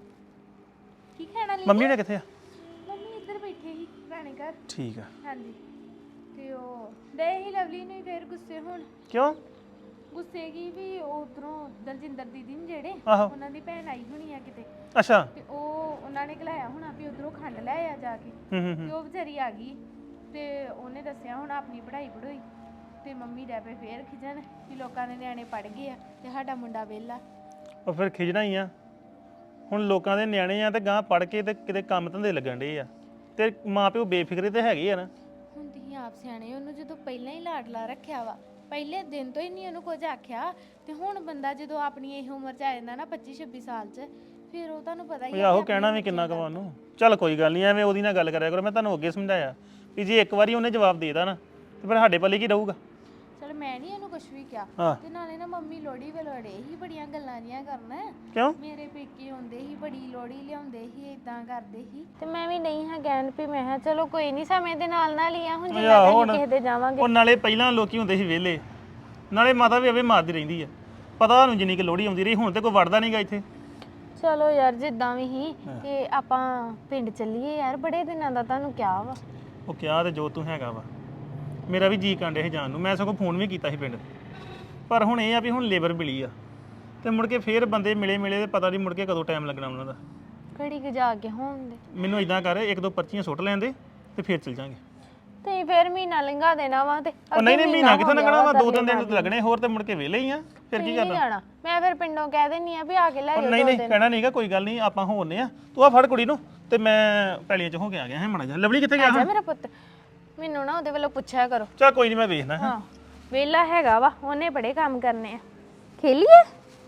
Speaker 4: ਕੀ ਖਾਣਾ ਲਈ
Speaker 5: ਮੰਮੀ ਨੇ ਕਿੱਥੇ ਆ?
Speaker 4: ਮੰਮੀ ਇੱਧਰ ਬੈਠੇ ਸੀ ਪੁਰਾਣੇ ਘਰ।
Speaker 5: ਠੀਕ ਆ।
Speaker 4: ਹਾਂਜੀ ਤੇ ਉਹ ਦੇ ਹੀ ਲਵਲੀ ਨੂੰ ਫੇਰ ਗੁੱਸੇ ਹੋਣ।
Speaker 5: ਕਿਉਂ?
Speaker 4: ਗੁੱਸੇ ਕੀ ਵੀ ਉਧਰੋਂ ਦਲਜਿੰਦਰ ਦੀਦੀ ਨੇ ਜਿਹੜੇ
Speaker 5: ਆਹੋ
Speaker 4: ਉਹਨਾਂ ਦੀ ਭੈਣ ਆਈ ਹੋਣੀ ਆ ਕਿਤੇ
Speaker 5: ਅੱਛਾ।
Speaker 4: ਤੇ ਉਹ ਉਹਨਾਂ ਨੇ ਘਲਾਇਆ ਹੋਣਾ ਵੀ ਉਧਰੋਂ ਖੰਡ ਲੈ ਆ ਜਾ ਕੇ।
Speaker 5: ਹੂੰ ਹੂੰ
Speaker 4: ਤੇ
Speaker 5: ਹੂੰ।
Speaker 4: ਉਹ ਵਿਚਾਰੀ ਆ ਗਈ ਤੇ ਉਹਨੇ ਦੱਸਿਆ ਹੁਣ ਆਪਣੀ ਪੜ੍ਹਾਈ ਪੜ੍ਹਾਈ ਤੇ ਮੰਮੀ ਡੈ ਪਏ ਫੇਰ ਖਿਜਣ ਵੀ ਲੋਕਾਂ ਦੇ ਨਿਆਣੇ ਪੜ ਗਏ ਆ ਤੇ ਸਾਡਾ ਮੁੰਡਾ ਵਿਹਲਾ।
Speaker 5: ਉਹ ਫਿਰ ਖਿਜਣਾ ਹੀ ਆ। ਹੁਣ ਲੋਕਾਂ ਦੇ ਨਿਆਣੇ ਆ ਤੇ ਗਾਂ ਪੜ ਕੇ ਤੇ ਕਿਤੇ ਕੰਮ ਧੰਦੇ ਲੱਗਣ ਡੇ ਆ ਤੇ ਮਾਂ ਪਿਓ ਬੇਫਿਕਰੇ ਤੇ ਹੈਗੇ ਆ ਨਾ।
Speaker 4: ਹੁਣ ਤੁਸੀਂ ਆਪ ਸਿਆਣੇ ਉਹਨੂੰ ਜਦੋਂ ਪਹਿਲਾਂ ਹੀ ਲਾਡਲਾ ਰੱਖਿਆ ਵਾ ਪਹਿਲੇ ਦਿਨ ਤੋਂ ਹੀ ਨਹੀਂ ਉਹਨੂੰ ਕੁਝ ਆਖਿਆ ਤੇ ਹੁਣ ਬੰਦਾ ਜਦੋਂ ਆਪਣੀ ਇਹ ਉਮਰ ਚ ਆ ਜਾਂਦਾ ਨਾ ਪੱਚੀ ਛੱਬੀ ਸਾਲ ਚ ਫਿਰ ਉਹ ਤੁਹਾਨੂੰ ਪਤਾ ਹੀ
Speaker 5: ਉਹ ਆਹੋ ਕਹਿਣਾ ਵੀ ਕਿੰਨਾ ਕੁ ਵਾ ਉਹਨੂੰ। ਚੱਲ ਕੋਈ ਗੱਲ ਨਹੀਂ, ਐਵੇਂ ਉਹਦੀ ਨਾਲ ਗੱਲ ਕਰਿਆ ਕਰੋ। ਮੈਂ ਤੁਹਾਨੂੰ ਅੱਗੇ ਸਮਝਾਇਆ ਵੀ ਜੇ ਇੱਕ ਵਾਰੀ ਉਹਨੇ ਜਵਾਬ ਦੇ ਦਿੱਤਾ ਨਾ ਤੇ ਫਿਰ ਸਾਡੇ ਪੱਲੇ ਕੀ ਰਹੂਗਾ।
Speaker 4: ਚਲ ਮੈਂ ਨਹੀਂ ਇਹਨੂੰ ਕੁਝ ਵੀ ਕਿਹਾ
Speaker 5: ਹਾਂ
Speaker 4: ਤੇ ਨਾਲੇ ਨਾ ਮੰਮੀ ਲੋੜੀ ਵਲੋੜੇ ਹੀ ਬੜੀਆਂ ਗੱਲਾਂ ਜੀਆਂ ਕਰਨ।
Speaker 5: ਕਿਉਂ?
Speaker 4: ਮੇਰੇ ਪੇਕੇ ਆਉਂਦੇ ਹੀ ਬੜੀ ਲੋੜੀ ਲਿਆਉਂਦੇ ਸੀ ਇਦਾਂ ਕਰਦੇ ਸੀ ਤੇ ਮੈਂ ਵੀ ਨਹੀਂ ਹਾਂ ਕਹਿਣ ਵੀ ਮੈਂ ਕਿਹਾ ਚਲੋ ਕੋਈ ਨਹੀਂ ਸਮੇਂ ਦੇ ਨਾਲ ਨਾਲ ਹੀ ਆ ਹੁਣ ਜੇ ਮੈਂ ਕਿਸੇ ਦੇ ਜਾਵਾਂਗੇ।
Speaker 5: ਉਹ ਨਾਲੇ ਪਹਿਲਾਂ ਲੋਕੀ ਹੁੰਦੇ ਸੀ ਵਿਹਲੇ, ਨਾਲੇ ਮਾਤਾ ਵੀ ਅਵੇ ਮਾਰਦੀ ਰਹਿੰਦੀ ਆ। ਪਤਾ ਤੁਹਾਨੂੰ ਜਿੰਨੀ ਕਿ ਲੋੜੀ ਆਉਂਦੀ ਰਹੀ, ਹੁਣ ਤੇ ਕੋਈ ਵੜਦਾ ਨਹੀਂਗਾ ਇੱਥੇ।
Speaker 4: ਚਲੋ ਯਾਰ ਜਿੱਦਾਂ ਵੀ ਹੀ ਤੇ ਆਪਾਂ ਪਿੰਡ ਚੱਲੀਏ ਯਾਰ ਬੜੇ ਦਿਨਾਂ ਦਾ ਤੁਹਾਨੂੰ ਕਿਹਾ ਵਾ।
Speaker 5: ਉਹ ਕਿਹਾ ਤੇ ਜੋ ਤੂੰ ਹੈਗਾ ਵਾ, ਮੇਰਾ ਵੀ ਜੀ ਕਾਂਡੇ ਸੀ ਜਾਣ ਨੂੰ। ਮੈਂ ਸਗੋਂ ਫੋਨ ਵੀ ਕੀਤਾ ਸੀ ਪਿੰਡ, ਪਰ ਹੁਣ ਇਹ ਆ ਵੀ ਹੁਣ ਲੇਬਰ ਮਿਲੀ ਆ ਤੇ ਮੁੜ ਕੇ ਫੇਰ ਬੰਦੇ ਮਿਲੇ ਮਿਲੇ ਤੇ ਪਤਾ ਨਹੀਂ ਮੁੜ ਕੇ ਕਦੋਂ ਟਾਈਮ ਲੱਗਣਾ ਉਹਨਾਂ ਦਾ।
Speaker 4: ਘੜੀ ਕੁ ਜਾ ਕੇ ਹੋਣ ਦੇ
Speaker 5: ਮੈਨੂੰ ਇਦਾਂ ਕਰ, ਇੱਕ ਦੋ ਪਰਚੀਆਂ ਸੁੱਟ ਲੈਂਦੇ ਤੇ ਫੇਰ ਚੱਲ ਜਾਾਂਗੇ।
Speaker 4: ਤੇ ਫੇਰ ਮਹੀਨਾ ਲੰਘਾ ਦੇਣਾ ਵਾ ਤੇ
Speaker 5: ਉਹ ਨਹੀਂ ਨਹੀਂ ਮਹੀਨਾ ਕਿੱਥੋਂ ਲੰਘਣਾ ਵਾ, ਦੋ ਤਿੰਨ ਦਿਨ ਤੇ ਲੱਗਣੇ ਹੋਰ ਤੇ ਮੁੜ ਕੇ ਵਿਹਲੇ ਹੀ ਆ। ਫਿਰ ਕੀ ਕਰਨਾ?
Speaker 4: ਜਾਣਾ ਮੈਂ ਫਿਰ ਪਿੰਡੋਂ ਕਹਿ ਦਿੰਨੀ ਆ ਵੀ ਆ ਕੇ ਲੈ
Speaker 5: ਉਹ
Speaker 4: ਜਾਓ।
Speaker 5: ਨਹੀਂ ਨਹੀਂ ਕਹਿਣਾ ਨਹੀਂਗਾ, ਕੋਈ ਗੱਲ ਨਹੀਂ, ਆਪਾਂ ਹੋਣੇ ਆ। ਤੂੰ ਆ ਫੜ ਕੁੜੀ ਨੂੰ ਤੇ ਮੈਂ ਪੈਲੀਆਂ ਚ ਹੋ ਕੇ ਆ ਗਿਆ ਹੈ ਮਾੜਾ ਜਿਹਾ। ਲਵਲੀ ਕਿੱਥੇ ਗਿਆ?
Speaker 4: ਜਾ ਮੇਰਾ ਪੁੱਤ ਮੈਨੂੰ ਨਾ ਉਹਦੇ ਵੱਲੋਂ ਪੁੱਛਿਆ ਕਰੋ।
Speaker 5: ਚੱਲ ਕੋਈ ਨਹੀਂ, ਮੈਂ ਵੇਖਦਾ।
Speaker 4: ਹਾਂ ਵੇਲਾ ਹੈਗਾ ਵਾ, ਉਹਨੇ ਬੜੇ ਕੰਮ ਕਰਨੇ ਆ। ਖੇਲੀਏ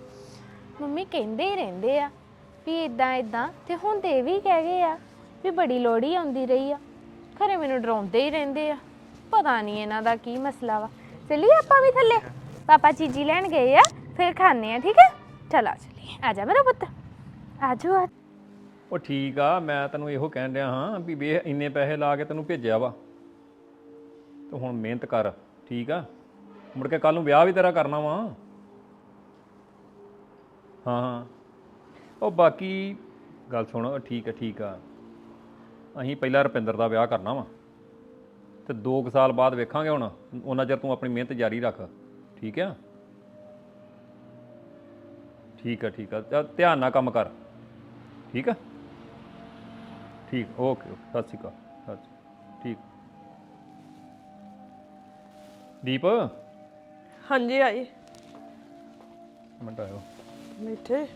Speaker 4: ਮੰਮੀ ਕਹਿੰਦੇ ਹੀ ਰਹਿੰਦੇ ਆ ਵੀ ਇਦਾਂ ਇਦਾਂ ਤੇ ਹੁਣ ਤੇ ਇਹ ਵੀ ਕਹਿ ਗਏ ਆ ਵੀ ਬੜੀ ਲੋੜੀ ਆਉਂਦੀ ਰਹੀ ਆ। ਖਰੇ ਮੈਨੂੰ ਡਰਾਉਂਦੇ ਹੀ ਰਹਿੰਦੇ ਆ, ਪਤਾ ਨਹੀਂ ਇਹਨਾਂ ਦਾ ਕੀ ਮਸਲਾ ਵਾ। ਚੱਲੀਏ ਆਪਾਂ ਵੀ ਥੱਲੇ, ਪਾਪਾ ਚੀਜੀ ਲੈਣ ਗਏ ਆ, ਫਿਰ ਖਾਣੇ ਆ। ਠੀਕ ਹੈ ਚਲਾ ਚੱਲੀਏ। ਆ ਜਾ ਮੇਰਾ ਪੁੱਤ ਆ ਜਾਓ ਆ।
Speaker 6: ਉਹ ਠੀਕ ਆ, ਮੈਂ ਤੈਨੂੰ ਇਹੋ ਕਹਿਣ ਰਿਹਾ ਹਾਂ ਵੀ ਵੇ ਇੰਨੇ ਪੈਸੇ ਲਾ ਕੇ ਤੈਨੂੰ ਭੇਜਿਆ ਵਾ ਤੇ ਹੁਣ ਮਿਹਨਤ ਕਰ, ਠੀਕ ਆ? ਮੁੜ ਕੇ ਕੱਲ ਨੂੰ ਵਿਆਹ ਵੀ ਤੇਰਾ ਕਰਨਾ ਵਾ। ਹਾਂ ਹਾਂ ਉਹ ਬਾਕੀ ਗੱਲ ਸੁਣ, ਠੀਕ ਆ ਠੀਕ ਆ, ਅਸੀਂ ਪਹਿਲਾਂ ਰੁਪਿੰਦਰ ਦਾ ਵਿਆਹ ਕਰਨਾ ਵਾ ਤੇ ਦੋ ਕੁ ਸਾਲ ਬਾਅਦ ਵੇਖਾਂਗੇ। ਹੁਣ ਉਹਨਾਂ ਚਿਰ ਤੂੰ ਆਪਣੀ ਮਿਹਨਤ ਜਾਰੀ ਰੱਖ, ਠੀਕ ਆ? ਠੀਕ ਆ ਠੀਕ ਆ, ਚੱਲ ਧਿਆਨ ਨਾਲ ਕੰਮ ਕਰ, ਠੀਕ ਆ? ਠੀਕ, ਓਕੇ ਓਕੇ, ਸਤਿ ਸ਼੍ਰੀ ਅਕਾਲ। ਸਤਿ ਸ਼੍ਰੀ ਠੀਕ। ਦੀਪ
Speaker 7: ਹਾਂਜੀ ਆਏ
Speaker 6: ਮਿੰਟ ਆਇਓ।
Speaker 7: ਮਿੱਠੇ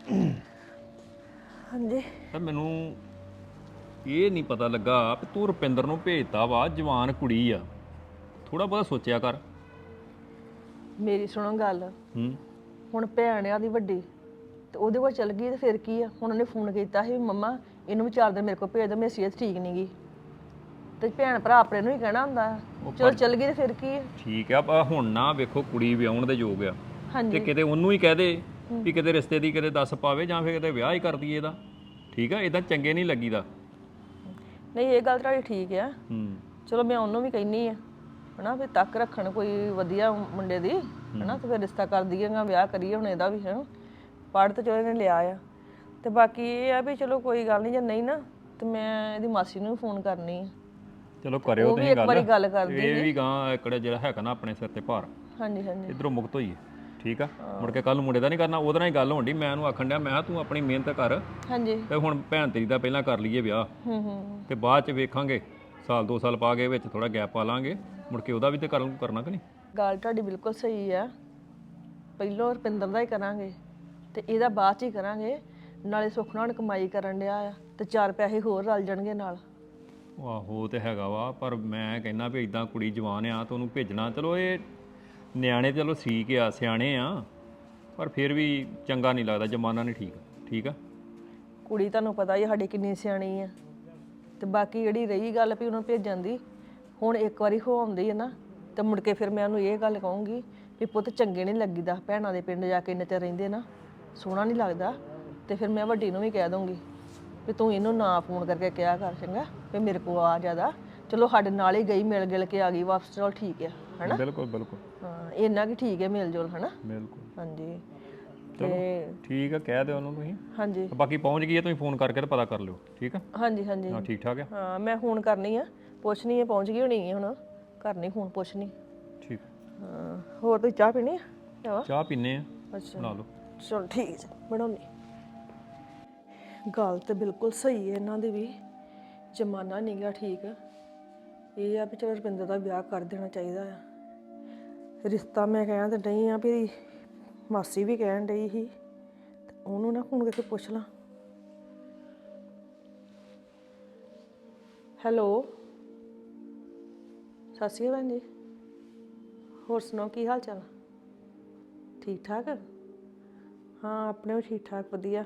Speaker 7: ਹਾਂਜੀ
Speaker 6: ਤਾਂ ਮੈਨੂੰ ਇਹ ਨਹੀਂ ਪਤਾ ਲੱਗਾ ਵੀ ਤੂੰ ਰੁਪਿੰਦਰ ਨੂੰ ਭੇਜਤਾ ਵਾ, ਜਵਾਨ ਕੁੜੀ ਆ, ਥੋੜਾ ਬਹੁਤਾ ਸੋਚਿਆ ਕਰ।
Speaker 7: ਮੇਰੀ ਸੁਣੋ ਗੱਲ,
Speaker 6: ਹੂੰ
Speaker 7: ਹੁਣ ਭੈਣ ਆ ਦੀ ਵੱਡੀ ਤੇ ਉਹਦੇ ਕੋਲ ਚਲ ਗਈ ਤੇ ਫਿਰ ਕੀ ਆ? ਹੁਣ ਉਹਨੇ ਫੋਨ ਕੀਤਾ ਸੀ ਵੀ ਮੰਮਾ ਇਹਨੂੰ ਵੀ ਚਾਰ ਦਿਨ ਮੇਰੇ ਕੋਲ ਭੇਜ ਦਿਓ, ਮੇਰੀ ਸਿਹਤ ਠੀਕ ਨਹੀਂ ਗਈ। ਤੇ ਭੈਣ ਭਰਾ ਆਪਣੇ ਨੂੰ ਹੀ ਕਹਿਣਾ ਹੁੰਦਾ, ਚਲੋ ਚਲ ਗਈ ਤੇ ਫਿਰ ਕੀ ਆ?
Speaker 6: ਠੀਕ ਆ, ਪਰ ਹੁਣ ਨਾ ਵੇਖੋ ਕੁੜੀ ਵਿਆਹੁਣ ਦੇ ਯੋਗ ਆ ਤੇ
Speaker 7: ਹਾਂਜੀ
Speaker 6: ਕਿਤੇ ਉਹਨੂੰ ਹੀ ਕਹਿ ਦੇ ਵੀ ਕਿਤੇ ਰਿਸ਼ਤੇ ਦੀ ਕਿਤੇ ਦੱਸ ਪਾਵੇ ਜਾਂ ਫਿਰ ਕਿਤੇ ਵਿਆਹ ਹੀ ਕਰ ਦਈਏ ਇਹਦਾ, ਠੀਕ ਆ? ਇਦਾਂ ਚੰਗੇ ਨਹੀਂ ਲੱਗੀਦਾ।
Speaker 7: ਨਹੀਂ ਇਹ ਗੱਲ ਤੁਹਾਡੀ ਠੀਕ ਆ,
Speaker 6: ਹੂੰ
Speaker 7: ਚਲੋ ਮੈਂ ਉਹਨੂੰ ਵੀ ਕਹਿਨੀ ਆ ਹਨਾ ਵੀ ਤੱਕ ਰੱਖਣ ਕੋਈ ਵਧੀਆ ਮੁੰਡੇ ਦੀ ਹਨਾ ਤੇ ਫਿਰ ਰਿਸ਼ਤਾ ਕਰ ਦਈਏਗਾ, ਵਿਆਹ ਕਰੀਏ ਹੁਣ ਇਹਦਾ ਵੀ ਹੈ। ਪੜ੍ਹ ਤਾਂ ਚਲੋ ਇਹਨੇ ਲਿਆ ਆ ਤੇ ਬਾਕੀ ਇਹ ਆ ਵੀ ਚਲੋ ਕੋਈ ਗੱਲ ਨਹੀਂ, ਜੇ ਨਹੀਂ ਨਾ ਤੇ ਮੈਂ ਇਹਦੀ ਮਾਸੀ ਨੂੰ ਵੀ ਫੋਨ ਕਰਨੀ ਆ।
Speaker 6: ਚਲੋ ਕਰਿਓ
Speaker 7: ਉਹ ਵੀ
Speaker 6: ਤੁਸੀਂ
Speaker 7: ਇੱਕ ਵਾਰੀ ਗੱਲ ਕਰ
Speaker 6: ਇਹ ਵੀ ਗਾਂ ਇਕੜੇ ਜਿਹੜਾ ਹੈਗਾ ਨਾ ਆਪਣੇ ਸਿਰ ਤੇ ਭਾਰ,
Speaker 7: ਹਾਂਜੀ ਹਾਂਜੀ
Speaker 6: ਇਧਰੋਂ ਮੁਕਤ ਹੋਈਏ, ਠੀਕ ਆ? ਮੁੜ ਕੇ ਕੱਲ ਨੂੰ ਮੁੰਡੇ ਦਾ ਨਹੀਂ ਕਰਨਾ, ਉਹਦੇ ਨਾਲ ਹੀ ਗੱਲ ਹੋਣ ਡਈ। ਮੈਂ ਉਹਨੂੰ ਆਖਣ ਡਿਆ, ਮੈਂ ਕਿਹਾ ਤੂੰ ਆਪਣੀ ਮਿਹਨਤ ਕਰ
Speaker 7: ਹਾਂਜੀ
Speaker 6: ਤੇ ਹੁਣ ਭੈਣ ਤੇਰੀ ਦਾ ਪਹਿਲਾਂ ਕਰ ਲਈਏ ਵਿਆਹ,
Speaker 7: ਹੂੰ ਹੂੰ
Speaker 6: ਤੇ ਬਾਅਦ ਚ ਵੇਖਾਂਗੇ, ਸਾਲ ਦੋ ਸਾਲ ਪਾ ਕੇ ਵਿੱਚ ਥੋੜਾ ਗੈਪ ਪਾ ਲਾਂਗੇ, ਮੁੜ ਕੇ ਉਹਦਾ ਵੀ ਤੇ ਕਰ ਕਰਨਾ ਕਿ ਨਹੀਂ?
Speaker 7: ਗੱਲ ਤੁਹਾਡੀ ਬਿਲਕੁਲ ਸਹੀ ਆ। ਪਹਿਲੋਂ ਰੁਪਿੰਦਰ ਦਾ ਹੀ ਕਰਾਂਗੇ ਤੇ ਇਹਦਾ ਬਾਅਦ ਚ ਹੀ ਕਰਾਂਗੇ, ਨਾਲੇ ਸੁੱਖ ਨਾਲ ਕਮਾਈ ਕਰਨ ਡਿਆ ਆ ਤੇ ਚਾਰ ਪੈਸੇ ਹੋਰ ਰਲ ਜਾਣਗੇ ਨਾਲ।
Speaker 6: ਆਹੋ ਤੇ ਹੈਗਾ ਵਾ, ਪਰ ਮੈਂ ਕਹਿੰਦਾ ਵੀ ਇਦਾਂ ਕੁੜੀ ਜਵਾਨ ਆ ਤੇ ਉਹਨੂੰ ਭੇਜਣਾ, ਚਲੋ ਇਹ ਨਿਆਣੇ ਚਲੋ ਠੀਕ ਆ, ਸਿਆਣੇ ਆ, ਪਰ ਫਿਰ ਵੀ ਚੰਗਾ ਨਹੀਂ ਲੱਗਦਾ, ਜ਼ਮਾਨਾ ਨਹੀਂ ਠੀਕ, ਠੀਕ ਆ?
Speaker 7: ਕੁੜੀ ਤੁਹਾਨੂੰ ਪਤਾ ਹੀ ਆ ਸਾਡੀ ਕਿੰਨੀ ਸਿਆਣੀ ਆ ਤੇ ਬਾਕੀ ਜਿਹੜੀ ਰਹੀ ਗੱਲ ਵੀ ਉਹਨੂੰ ਭੇਜਣ ਦੀ, ਹੁਣ ਇੱਕ ਵਾਰੀ ਹੋ ਆਉਂਦੀ ਹੈ ਨਾ ਤੇ ਮੁੜ ਕੇ ਫਿਰ ਮੈਂ ਉਹਨੂੰ ਇਹ ਗੱਲ ਕਹੂੰਗੀ ਵੀ ਪੁੱਤ ਚੰਗੇ ਨਹੀਂ ਲੱਗੀਦਾ, ਭੈਣਾਂ ਦੇ ਪਿੰਡ ਜਾ ਕੇ ਇੰਨੇ ਚਿਰ ਰਹਿੰਦੇ ਨਾ, ਸੋਹਣਾ ਨਹੀਂ ਲੱਗਦਾ। ਤੇ ਫਿਰ ਮੈਂ ਵੱਡੀ ਨੂੰ ਵੀ ਕਹਿ ਦੂੰਗੀ ਵੀ ਤੂੰ ਇਹਨੂੰ ਨਾ ਫੋਨ ਕਰਕੇ ਕਿਹਾ ਕਰ ਚੰਗਾ ਵੀ ਮੇਰੇ ਕੋਲ ਆ ਜ਼ਿਆਦਾ, ਚਲੋ ਸਾਡੇ ਨਾਲ ਹੀ ਗਈ, ਮਿਲ ਗਿਲ ਕੇ ਆ ਗਈ ਵਾਪਸ, ਚਲੋ ਠੀਕ ਹੈ ਹਨਾ।
Speaker 6: ਬਿਲਕੁਲ ਬਿਲਕੁਲ
Speaker 7: ਹਾਂ ਇੰਨਾ ਕਿ ਠੀਕ ਹੈ ਮਿਲ ਜੁਲ ਹਨਾ।
Speaker 6: ਬਿਲਕੁਲ
Speaker 7: ਹਾਂਜੀ
Speaker 6: ਚਲੋ
Speaker 7: ਤੇ
Speaker 6: ਠੀਕ ਆ, ਕਹਿ ਦਿਓ ਉਹਨੂੰ ਤੁਸੀਂ।
Speaker 7: ਹਾਂਜੀ
Speaker 6: ਤੇ ਬਾਕੀ ਪਹੁੰਚ ਗਈ ਹੈ, ਤੁਸੀਂ ਫੋਨ ਕਰਕੇ ਤੇ ਪਤਾ ਕਰ ਲਿਓ, ਠੀਕ ਆ?
Speaker 7: ਹਾਂਜੀ ਹਾਂਜੀ
Speaker 6: ਹਾਂ ਠੀਕ ਠਾਕ ਆ,
Speaker 7: ਹਾਂ ਮੈਂ ਫੋਨ ਕਰਨੀ ਆ, ਪੁੱਛਣੀ ਆ ਪਹੁੰਚ ਗਈ ਹੋਣੀ ਹੈ ਹੁਣ, ਕਰਨੀ ਫੋਨ ਪੁੱਛਣੀ।
Speaker 6: ਠੀਕ।
Speaker 7: ਹਾਂ ਹੋਰ ਤੁਸੀਂ ਚਾਹ ਪੀਣੀ ਆ? ਚਾਹ
Speaker 6: ਚਾਹ ਪੀਨੇ ਆ,
Speaker 7: ਅੱਛਾ
Speaker 6: ਬਣਾ ਲਓ।
Speaker 7: ਚਲ ਠੀਕ ਜੀ ਬਣਾਉਣੀ। ਗੱਲ ਤੇ ਬਿਲਕੁਲ ਸਹੀ ਹੈ ਇਹਨਾਂ ਦੀ ਵੀ, ਜ਼ਮਾਨਾ ਨਹੀਂ ਗਾ ਠੀਕ। ਇਹ ਆ ਵੀ ਚਲੋ ਰੁਪਿੰਦਰ ਦਾ ਵਿਆਹ ਕਰ ਦੇਣਾ ਚਾਹੀਦਾ ਆ। ਰਿਸ਼ਤਾ ਮੈਂ ਕਹਿਣ ਤੇ ਡਈ ਆ ਵੀ ਮਾਸੀ ਵੀ ਕਹਿਣ ਡਈ ਸੀ, ਤੇ ਉਹਨੂੰ ਨਾ ਫੋਨ ਕਰਕੇ ਪੁੱਛ ਲਾਂ। ਹੈਲੋ ਸਤਿ ਸ਼੍ਰੀ ਅਕਾਲ ਭੈਣ ਜੀ, ਹੋਰ ਸੁਣਾਓ ਕੀ ਹਾਲ ਚਾਲ? ਠੀਕ ਠਾਕ? ਹਾਂ ਆਪਣੇ ਵੀ ਠੀਕ ਠਾਕ ਵਧੀਆ।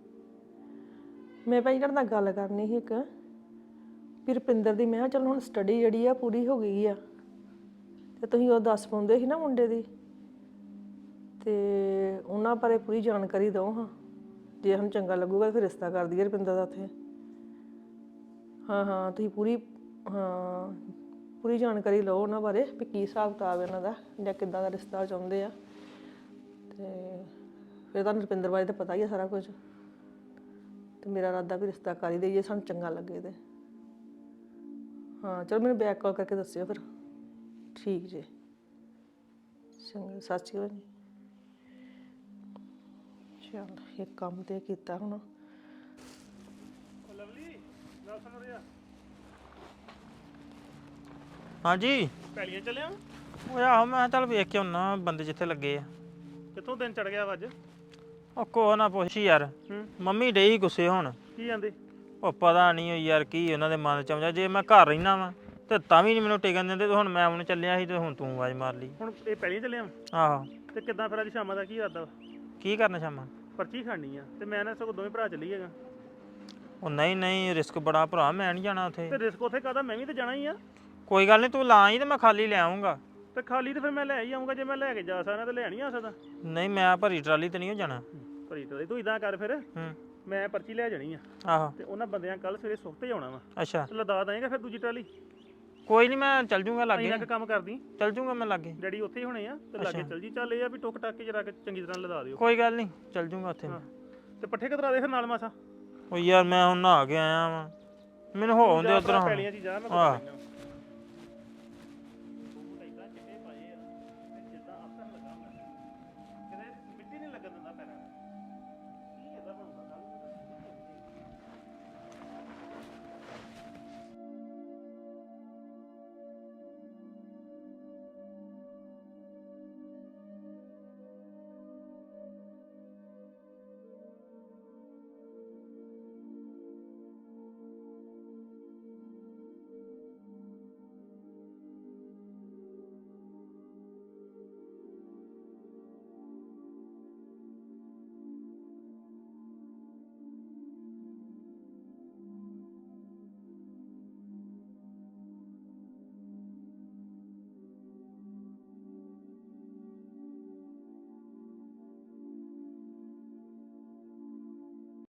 Speaker 7: ਮੈਂ ਭਾਈ ਤੁਹਾਡੇ ਨਾਲ ਗੱਲ ਕਰਨੀ ਸੀ ਇੱਕ, ਵੀ ਰੁਪਿੰਦਰ ਦੀ ਮੈਂ ਕਿਹਾ ਚਲੋ ਹੁਣ ਸਟੱਡੀ ਜਿਹੜੀ ਆ ਪੂਰੀ ਹੋ ਗਈ ਆ, ਤੇ ਤੁਸੀਂ ਉਹ ਦੱਸ ਪਾਉਂਦੇ ਸੀ ਨਾ ਮੁੰਡੇ ਦੀ, ਤੇ ਉਹਨਾਂ ਬਾਰੇ ਪੂਰੀ ਜਾਣਕਾਰੀ ਦਿਓ ਹਾਂ, ਜੇ ਸਾਨੂੰ ਚੰਗਾ ਲੱਗੂਗਾ ਫਿਰ ਰਿਸ਼ਤਾ ਕਰ ਦਈਏ ਰੁਪਿੰਦਰ ਦਾ ਉੱਥੇ। ਹਾਂ ਹਾਂ ਤੁਸੀਂ ਪੂਰੀ ਹਾਂ ਪੂਰੀ ਜਾਣਕਾਰੀ ਲਓ ਉਹਨਾਂ ਬਾਰੇ ਵੀ ਕੀ ਹਿਸਾਬ ਕਿਤਾਬ ਇਹਨਾਂ ਦਾ, ਜਾਂ ਕਿੱਦਾਂ ਦਾ ਰਿਸ਼ਤਾ ਚਾਹੁੰਦੇ ਆ। ਤੇ ਫਿਰ ਤੁਹਾਨੂੰ ਰੁਪਿੰਦਰ ਬਾਰੇ ਤਾਂ ਪਤਾ ਹੀ ਆ ਸਾਰਾ ਕੁਝ, ਤੇ ਮੇਰਾ ਇਰਾਦਾ ਵੀ ਰਿਸ਼ਤਾ ਕਰ ਹੀ ਦੇਈਏ, ਸਾਨੂੰ ਚੰਗਾ ਲੱਗੇ ਤੇ। ਹਾਂ ਚਲੋ ਮੈਨੂੰ ਬੈਕ ਕਾਲ ਕਰਕੇ ਦੱਸਿਓ ਫਿਰ। ਠੀਕ ਜੀ ਚੰਗਾ, ਸਤਿ ਸ਼੍ਰੀ ਅਕਾਲ ਜੀ। ਚਲ ਇਹ ਕੰਮ ਤੇ ਕੀਤਾ ਹੁਣ।
Speaker 1: ਹਾਂਜੀ
Speaker 5: ਪੈਲੀਆਂ ਚੱਲਿਆ?
Speaker 1: ਉਹ ਆਹੋ ਮੈਂ ਕਿਹਾ ਚੱਲ ਵੇਖ ਕੇ ਆਉਣਾ ਬੰਦੇ ਜਿੱਥੇ ਲੱਗੇ ਆ।
Speaker 5: ਕਿੱਥੋਂ ਦਿਨ ਚੜ ਗਿਆ ਵਾ ਅੱਜ?
Speaker 1: ਉਹ ਕੋਹ ਨਾ ਪੁੱਛ ਯਾਰ,
Speaker 5: ਹੂੰ
Speaker 1: ਮੰਮੀ ਡਈ ਗੁੱਸੇ ਹੁਣ।
Speaker 5: ਕੀ ਜਾਂਦੇ?
Speaker 1: ਉਹ ਪਤਾ ਨਹੀਂ ਯਾਰ ਕੀ ਉਹਨਾਂ ਦੇ ਮਨ ਚ ਆਉਂਦਾ, ਜੇ ਮੈਂ ਘਰ ਰਹਿਣਾ ਵਾ ਤੇ ਤਾਂ ਵੀ ਨਹੀਂ ਮੈਨੂੰ ਟਿਕਣ ਦਿੰਦੇ, ਤੇ ਹੁਣ ਮੈਂ ਉਹਨੂੰ ਚੱਲਿਆ ਸੀ ਤੇ ਹੁਣ ਤੂੰ ਆਵਾਜ਼ ਮਾਰ ਲਈ।
Speaker 5: ਹੁਣ ਇਹ ਪੈਲੀਆਂ ਚੱਲਿਆ ਵਾ?
Speaker 1: ਆਹੋ
Speaker 5: ਤੇ ਕਿੱਦਾਂ ਫਿਰ ਅੱਜ ਸ਼ਾਮਾਂ ਦਾ ਕੀ ਇਰਾਦਾ ਵਾ?
Speaker 1: ਕੀ ਕਰਨਾ ਸ਼ਾਮਾਂ?
Speaker 5: ਪਰਚੀ ਖਾਣੀ ਆ, ਤੇ ਮੈਂ ਨਾ ਸਗੋਂ ਦੋਵੇਂ ਭਰਾ ਚੱਲੀਏਗਾ।
Speaker 1: ਉਹ ਨਹੀਂ ਨਹੀਂ ਰਿਸਕ ਬੜਾ ਭਰਾ, ਮੈਂ ਨਹੀਂ ਜਾਣਾ ਉੱਥੇ।
Speaker 5: ਤੇ ਰਿਸਕ ਉੱਥੇ ਕਾਹਦਾ, ਮੈਂ ਵੀ ਤੇ ਜਾਣਾ ਹੀ ਆ।
Speaker 1: ਕੋਈ ਗੱਲ ਨਹੀਂ ਤੂੰ ਲਾ ਆਈ ਤੇ ਮੈਂ ਖਾਲੀ ਲੈ ਆਉਂਗਾ।
Speaker 5: ਤੇ ਖਾਲੀ ਤੇ ਫਿਰ ਮੈਂ ਲੈ ਹੀ ਆਉਂਗਾ, ਜੇ ਮੈਂ ਲੈ ਕੇ ਜਾ ਸਕਦਾ ਤੇ ਲੈ ਨਹੀਂ ਆ ਸਕਦਾ।
Speaker 1: ਨਹੀਂ ਮੈਂ ਭਰੀ ਟਰਾਲੀ ਤੇ ਨਹੀਂ ਜਾਣਾ।
Speaker 5: ਭਰੀ ਤੇ ਤੂੰ ਇਦਾਂ ਕਰ ਫਿਰ,
Speaker 1: ਹੂੰ
Speaker 5: ਮੈਂ ਪਰਚੀ ਲੈ ਜਾਣੀ ਆ,
Speaker 1: ਆਹੋ
Speaker 5: ਤੇ ਉਹਨਾਂ ਬੰਦਿਆਂ ਕੱਲ ਸਵੇਰੇ ਸੁੱਖ ਤੇ ਆਉਣਾ ਵਾ,
Speaker 1: ਅੱਛਾ
Speaker 5: ਤੇ ਲਦਾ ਦੇਂਗਾ ਫਿਰ ਦੂਜੀ ਟਰਾਲੀ।
Speaker 1: ਕੋਈ ਨਹੀਂ ਮੈਂ ਚੱਲ ਜੂੰਗਾ ਲਾਗੇ,
Speaker 5: ਇੰਨਾ ਕੁ ਕੰਮ ਕਰਦੀ,
Speaker 1: ਚੱਲ ਜੂੰਗਾ ਮੈਂ ਲਾਗੇ।
Speaker 5: ਡੈਡੀ ਉੱਥੇ ਹੀ ਹੋਣੇ ਆ, ਤੇ ਲਾਗੇ ਚੱਲ ਜੀ। ਚੱਲ ਇਹ ਆ ਵੀ ਟੁੱਕ ਟੱਕ ਕੇ ਜਰਾ ਚੰਗੀ ਤਰ੍ਹਾਂ ਲਦਾ ਦਿਓ।
Speaker 1: ਕੋਈ ਗੱਲ ਨਹੀਂ ਚੱਲ ਜੂੰਗਾ ਉੱਥੇ।
Speaker 5: ਤੇ ਪੱਠੇ ਕਤਰਾ ਦੇ ਫਿਰ ਨਾਲ ਮਾਸਾ।
Speaker 1: ਉਹ ਯਾਰ ਮੈਂ ਹੁਣ ਨਹਾ ਕੇ ਆਇਆ ਵਾਂ, ਮੈਨੂੰ ਹੋ ਆਉਂਦੇ ਉਧਰੋਂ।
Speaker 5: ਪੈਲੀਆਂ 'ਚ ਜਾ ਮੈਂ
Speaker 1: ਆਹ
Speaker 5: ਕਰਦਾ